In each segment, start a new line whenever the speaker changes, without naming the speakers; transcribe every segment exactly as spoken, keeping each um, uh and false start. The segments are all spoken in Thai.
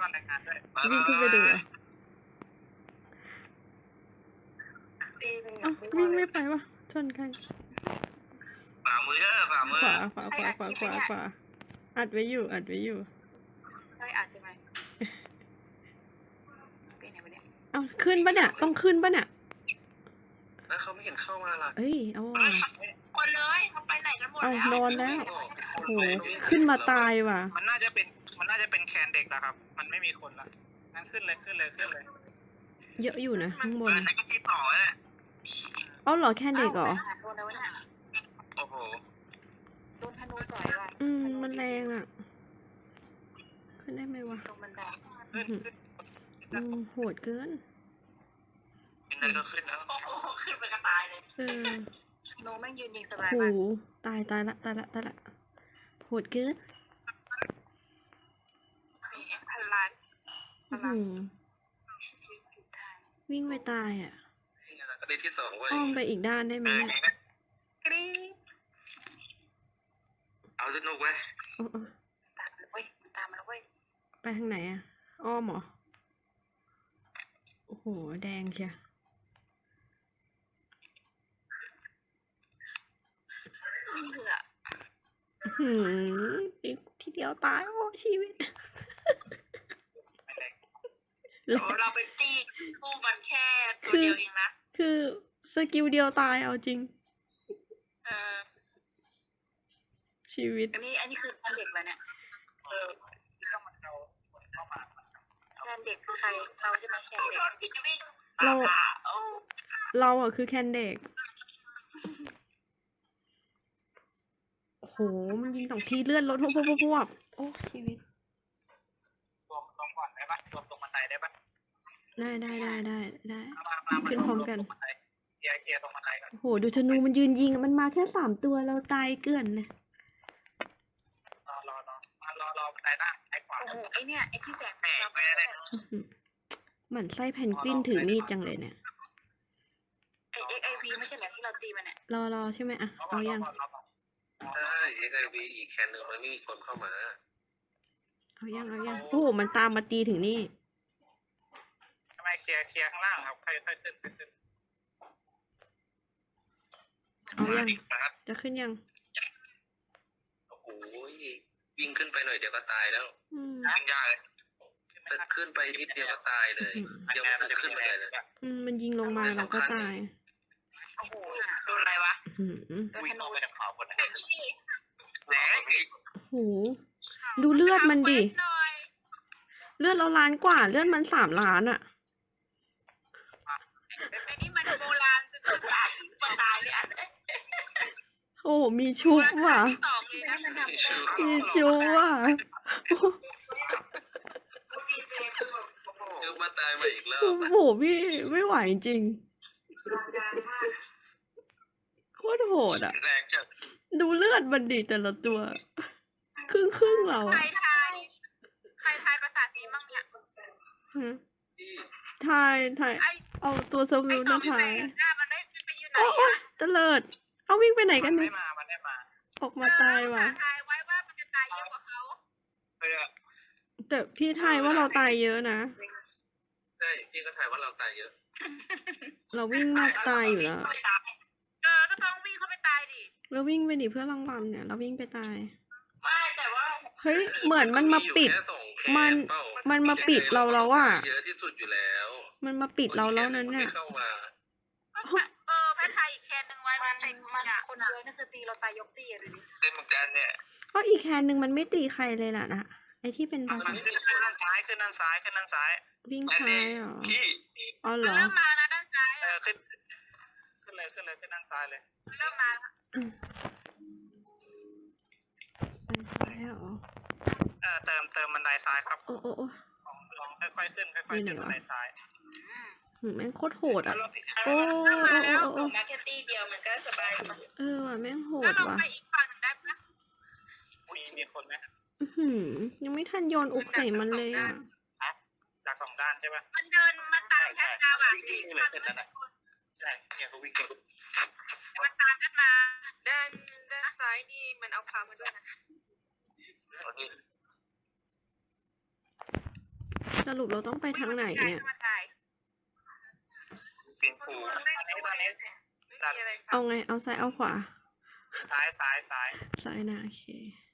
อนรายงานด้วย
วิ่งขึ้นไปดูอ่ะเอ้าวิ่งไม่ไปวะชนกัน
ฝ่ามือเด้อฝ่ามือ
ขวาขวาขวาขวาขวาขวาอัดไว้อยู่อัดไว้อยู่
ได้อัดใช่ไหมเป็นไงวะเนี่ย
เอาขึ้นปะเนี่ยต้องขึ้นปะเนี่ย
แล้วเขาไม่เห็นเข้ามาล่ะ
เอ้ยเอา
คนเลยเขาไปไหนกันหมด
เอา
แล้ว
นอนแล้วโหขึ้นมาตายว่ะ
มันน่าจะเป็นมันน่าจะเป็นแคนเด็กแล้วครับ มันไม่มีคนละงั้นขึ้นเลยขึ้นเลยขึ้นเลย
เยอะอยู่นะข้างบน
นั่นก็ที่ต่อแหละ
เอาเหรอแค่เด็กเหรอ
โดนแล้วเนี่ย
โอ้โห
โดนธนูต่อยว่ะ
อืมมันแรงอ่ะขึ้นได้ไหมวะ
ตรงบันได
ขึ้นขึ้น
อืมโหดเกิน
ขึ้นได้ก็ขึ้นแล้ว
โอ้โหขึ้นไปกระตายเลย
เออ
ธนูแม่งยืนยิงสบาย
โห
มาก
ตายตายละตายละตายละโหดเกิน
พันล้าน
อื้อหือวิ่งไปตายอ่ะ
ก็ได้ที่สองเว้ย
อ้อมไปอีกด้านได้ไหมเนี่ย
กรี๊ด
เอาสนุกเว้ย
โอ้โอ้
ตามมาเว้ยตามมาแล้วเว้ย
ไปทางไหนอ่ะอ้อมเหรอโอ้โหแดงเชีย
นี่เหลือ
หืมอีกทีเดียวตายโอ้ชีวิต
โอ้เราไปตีคู่มันแค่ตัวเดียวเองนะ
คือสกิลเดียวตายเอาจริง
เออ
ชีวิต
อันนี้อันนี้คือเด็กแล้วเนี่ย
เออต้องมันเอาเข้ามา
แคนเด็กคือใครเราใช่ไหมแคนเด็ก
เรา
โอ้
เราอ่ะคือแคนเด็กโอ้โหมันยิงสองทีเลื่อนรถพวบพวบพวบพวบโอ้ชีวิต
รวมตรงก่อนได้ปะรวมตรงบันไดได้ปะ
ได้ได้ได้ได้ได้
มามามา
ขึ้นพร้อมกัน
ตรงบันไดเกียร์เกียร์ตรงบันไดก่อน
โอ้โหดูธนูมันยืนยิงอะมันมาแค่สามตัวเราตายเกลื่อนเลย
รอรอรอมารอรอบันไดหน้าไอ้ขวา
โอ้โหไอเนี่ยไอที่แสง
แหมไปเลย
อื้อหือเหมือนไส้แพนกวินถือมีดจังเลยเนี่ย
ไอเอ็กไอวีไม่ใช่เหรอที่เราตีมันเนี่ย
รอรอใช่ไหมอะเอายัง
ใช่เอ็กไอวีอีกแคนหนึ่งมันไม่มีคนเข้ามา
เอายังเอายังโอ้โหมันตามมาตีถึงนี่
ทำไมเคลียร์เคลียร์ข้างล่างครับใครค่อยขึ้นค่อยขึ้น
เอายัง
นะครับ
จะขึ้นยัง
โอ้โหวิ่งขึ้นไปหน่อยเดี๋ยวก็ตายแล้ว
อืม
ขึ้นยากเลยจะขึ้นไปนิดเดียวก็ตายเลยเดี๋ยวมันจะขึ้นไปเลย
อืมมันยิงลงมาเราก็ตาย
โอ้โหโดนอะไรวะ
อื้อหือ
โดน
วิ่
ธ
ง
นู
ออกไปจากขวาบนนะแหนอีก
โอ้โหดูเลือดมันดิ
หน่อย
เลือดเราล้านกว่า เลือดมันสามล้านอะ
ไอนี่มันโบราณจะตายจะตายเลยอ่ะ
โอ้โหมีชุบว่ะ
สองเลยนะมันทำ
ชื่อ
มีชุบว่ะ
ชื่อมาตายมาอีกแล้ว
โอ้โหพี่ไม่ไหวจริงโคตรโหดอะ
แรงจัด
ดูเลือดมันดิแต่ละตัว ครึ่งครึ่งๆเรา
ใคร
อะ
ทายใครทายภาษาสีมั่งเนี่ย
ฮะ
ที่
ทายทาย
ไอ
เอาตัวส
ไอ
วิล
สอ
นะ
งที่
ทา
ไป
ย
หน้ามันได้ไปอยู่ไหน
โอ้โอ้
อ่ะ
เตลิดเอาวิ่งไปไหนกัน
ไม่
เนี่ย
มา มันได้มา
ออกมาตายว่ะ
ทายไว้ว่ามันจะตายเยอะกว่าเขา
เพื่อ
แต่พี่ทายว่าเราตายเยอะนะ
ใช่พี่ก็ถ่ายว่าเราตายเยอะ
เราวิ่งนอกตายอยู่แล้ว
เออก็ต้องวิ่งเข้าไปตายดิ
เราวิ่งไปดิเพื่อรางวัลเนี่ย เราวิ่งไปตาย
ไม่แต่ว่า
เฮ้ยเหมือนมันมาปิด มันมันมาปิดเราแล้วอะ
เยอะที่สุดอยู่แล้ว
มันมาปิดเราแล้วนั้นเนี่ย
เข้ามา
เออแพทไทยอีกแคนหนึ่งไว้มันมันคนเยอะนั่นคือตีเราตายยกตีอะดูดิ
เป็นเหมือนกันเนี่ย
ก็อีกแคนหนึ่งมันไม่ตีใครเลยล่ะนะไอที่เป็นบา
มันขึ้นด้านซ้ายขึ้นด้านซ้ายขึ้นด้านซ้าย
วิ่งซ้ายเหรอ
พี่
อ๋อเหรอ
เริ่มมานะด้านซ้าย
เอ
อะ
อขึ้นขึ้นเลยขึ้นเลยขึ้นด้านซ้ายเลย
เริ่มมา
ไปซ้ายเหรอ
เออเติมเติมบันไดซ้ายครับ
โอ้โอ้โอ้
ลองลองค่อยๆขึ้นค่อยๆขึ้นบันไดซ้าย
หืมแม่งโคตรโหดอ่ะ
โอ้
โอ้โอ้โอ้โอ้โอ้
มาแค่ตีเดียวมันก็สบาย
เออว่ะแม่งโห
แล้ว
ด
เรา
ว่ะ
ไปอีกฝั่งหนึ่งได้ปะ
มีมีคนไหม
อื้อหือยังไม่ทันโยนอุกใส่มันเลยอ่ะ
จากสองด้านใช่ปะ
มันเดินมาตามแค่ดาวอ่ะ
วิ่งเลยขึ้นนั่นแหละใช่เนี่ยเขาวิ่งกัน
มันตามกันมาด้านด้านซ้ายนี่มันเอาพามาด้วยนะ
สรุปเราต้องไปทางไหนเนี่ย
มาถ่าย
ปิงปู
ตอนนี้ตอนนี้ไม่มีอะไร
เอาไง เอาซ้ายเอาขวา
ซ้ายซ้ายซ้าย
ซ้ายนะโอเค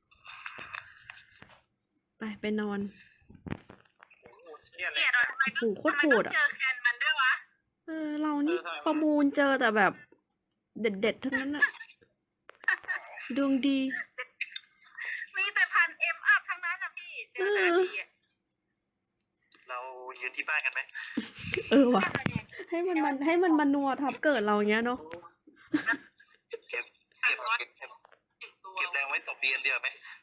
ไปไปนอน
โอ้โหเชี่ยเล
เนี่ย
ย
เราทำไม
โอ้โหโคตร
ทำไม
โห
ต้อ
ด
ง
อ่ะ
เจอแคนมันด้วยวะ
เออ เรานี่
เออทำไมวะ
ประมูลเจอแต่แบบ เด็ดๆทั้งนั้นอะดวงดี
มีแต่พันเอ็มอัพทั้งนั้นนะพี่เจอแต่ละทีอะ
เรายืนที่บ้านกันไหม
เออว่ะ ให้มันมันให้มันมานัวทับเกิดเราอย่างเงี้ยเนาะ
เก็บเก็บเก็บเก็บเก็บแรงไว้ตบเบียนเดียวไหม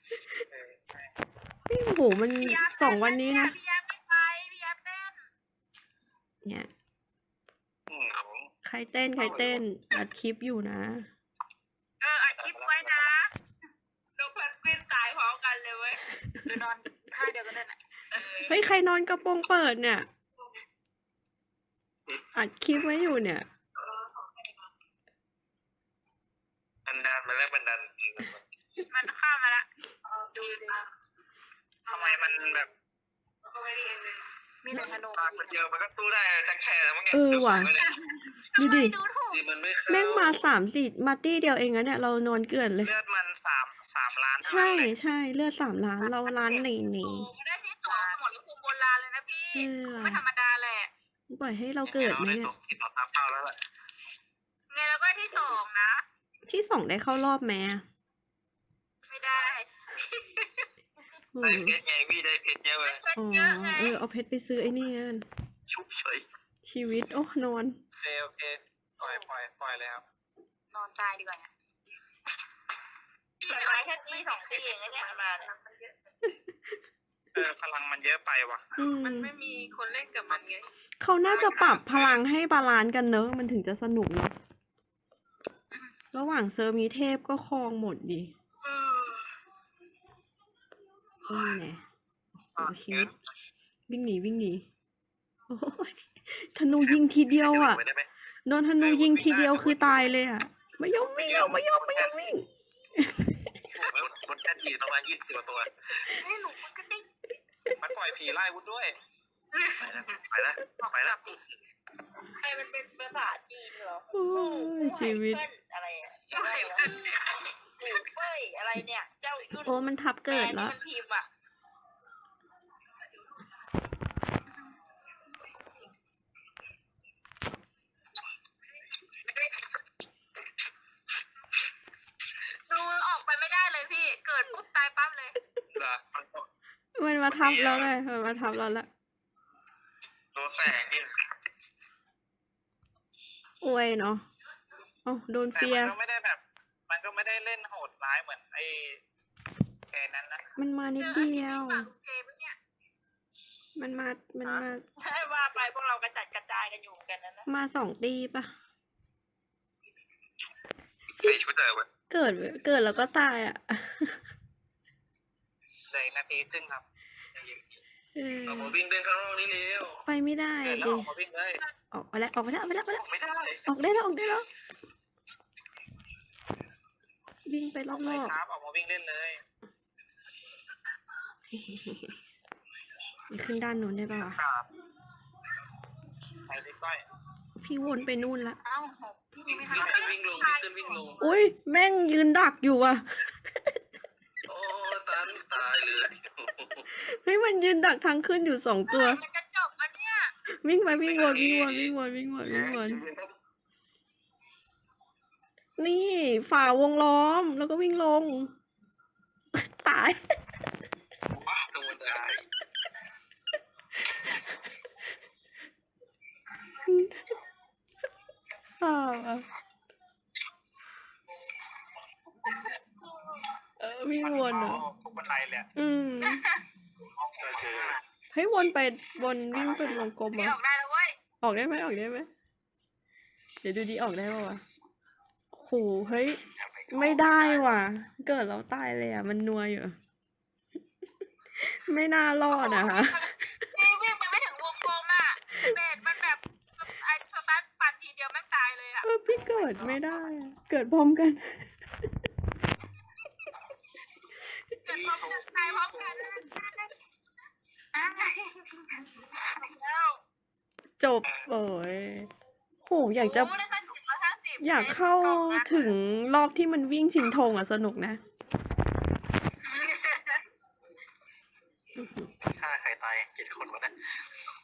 โอ้โห มัน
พี่ยับ
สองวันนี้นะ
พี่ยับไม่ไปพี่ยับเต้น
เนี่ย
อืม
ใครเต้นใครเต้น อัดคลิปอยู่นะ
เอออัดคลิปไว้นะเราเพื่อนกวินตายพร้อมกันเลยเว้ยหรือนอนท่าเดียวกันนั่นแหละ
เฮ้ย ใครนอนกระโปรงเปิดเนี่ย อัดคลิปไว้อยู่เนี่ย
บันดาลมาแล้วบันดาล
มันข้ามมาละดูดิ
ทำไมมันแบบ
มีแต่ธนู
ปากมันเยอะมันก็ตู้ได้จังแค่แล้วมั้งไง
เออว่ะ ดูดิ
ดูถูก
มันไม่
แม่งมาสามสี่มาตี้เดียวเองนะเนี่ย เรานอนเกลื่อนเลย
เลือดมันสามสามล้าน
ใช่ใช่เลือดสามล้าน เราล้านหนีหนี
ไม่ได้ที่ตัวสมรภูมิโบราณเลยนะพี่
เออ
ไม่ธรรมดาแหละ
ปล่อยให้เราเกิดไหม
ได้
เนี่
ต
ย
กที่ต่อตามเป้าแล้วล่ะ
ไงแล้วก็ที่สองนะ
ที่สองได้เข้ารอบแม้
ไม่ได้
อื
ได้
ม
เพชรไงพี่ได้เพชรเยอะเลย
เช็ด
อ๋อ
เยอะไง
เออ เอาเพชรไปซื้อไอ้นี่กัน
ชุบเฉย
ชีวิต โอ้ นอน
โอเคโอเคปล่อยปล่อยปล่อยเลยครับ
นอนตายดีกว่าเนี่ยพี่ไม้แค่ที่สองที่เองนะเนี่ยมาเนี่ย
เออพลังมันเยอะไปว่ะ
อืม
มันไม่มีคนเล่นกับมันไง
เขาน่าจะปรับพลังให้บาลานซ์กันเนอะ มันถึงจะสนุกเนอะระหว่างเซิร์ฟมีเทพก็ครองหมดดิ
เออ
เออไงโอเควิ่งหนีวิ่งหนีโอ้ยธนูยิงทีเดียวอ่ะ
ได้ไหม
โดนธนูยิงทีเดียวคือตายเลยอ่ะ ไม่ยอมวิ่งอ่ะไม่ยอมไม่ยอมวิ่ง
บนแค่ทีประมาณยี่สิบกว่าตัว
ให้หนูมันก็ติ๊ก
มันปล่อยผีไล่วุ้นด้วย ไปแล้วไปแล้วไปแล้ว
ใครมันเป็นภาษาจีนเหรอ
โอ้ยชีวิต
อะไรอ่ะอะไรขึ้นปู่เฟ้ยอะไรเนี่ย เจ้าขึ้น
โอ้มันทับเกิด
แม่
แล้ว
ที่มันพิมพ์อ่ะดูออกไปไม่ได้เลยพี่ เกิดปุ๊บตายปั๊บเลย
เหรอ
มันมาทับแล้วไงมันมาทับเราละ
ตัวแสงนี่
อวยเนาะอ๋อโดน
แต่
เฟีย
มันก็ไม่ได้แบบ มันก็ไม่ได้เล่นโหดร้ายเหมือนไอ้แกนั้นนะ
มันมานิด
เจอ
เดียว
ไอ้ที่ปากลุงเจมส์เนี่ย
มันมา มันมา
ใช่ว่าไปพวกเรากระจัดกระจายกันอยู่กันนะนะ
มาสองตีปะ
ใส่ชุดเดิม
เกิด เกิดแล้วก็ตายอ่ะ
เหลืออีกนาทีครึ่งครับ
เออ
เรามาวิ่งเดินข้างนอกนี่เร็ว
ไปไม่ได้
เดินแล้ว
ดิ
ออกมาวิ่งเลย
ออกไปแล้ว ออกไปแล้วออกไปแล้วออกไปแล้ว
ไม่ได้
ออกได้แล้ว ออกได้แล้ว วิ่งไปร
อ
อ
อกไป
บ
ครับออกมาวิ่งเล่นเลย
ๆไปขึ้นด้านนู้นได้ป่าวะ
ครับไปดิก้อย
พี่วนไปนู่นละ
เอ้าพี่
วิ่ง
ไม่
วิ่ง
ทำ
วิ่งลงขึ้นวิ่งลง
อุ้ยแม่งยืนดักอยู่อ่ะ
โอ้ตันตายเลย
เฮ้ยมันยืนดักทางขึ้นอยู่สองตัว
มันจะจบแล้วเนี่ย
วิ่งไปวิ่งวนวิ่งวนวิ่งวนวิ่งวนวิ่งวนนี่ฝ่าวงล้อมแล้วก็วิ่งลง ตาย
โดนได้
อ่าเออวิ่งวนเหรอ
ทุกบันไดเลย
อืมเฮ้ยวนไปวนวิ่งเป็นวงกลม
พี่
เหร
อ
อ
อกได้แล้วเว้ย
ออกได้ไหมออกได้ไหมเดี๋ยวดูดีออกได้ป่าวะโหเฮ้ยไม่ได้ว่ะ เกิดเราตายเลยอ่ะมันนัวอยู่ ไม่น่ารอดอ่ะ
พี่วิ่งไปไม่ถึงวงกลมอ่ะเบสมันแบบไอ้สตาร์ทปั่นทีเดียวแม่งตายเลยอ่ะ
เออพี่เกิดไม่ได้อะเกิดพร้อมกัน
เกิดพร้อมกันตายพร้อมกันไอ่ะแล้ว
จบโอ้ยโหอยากจะ
โได้ตั้งเจ็ดร้อยห้าสิบ
อยากเข้าถึงรอบที่มันวิ่งชิงธงอ่ะสนุกนะ
ฆ่าใครตายเจ็ดคนวะเนี่ย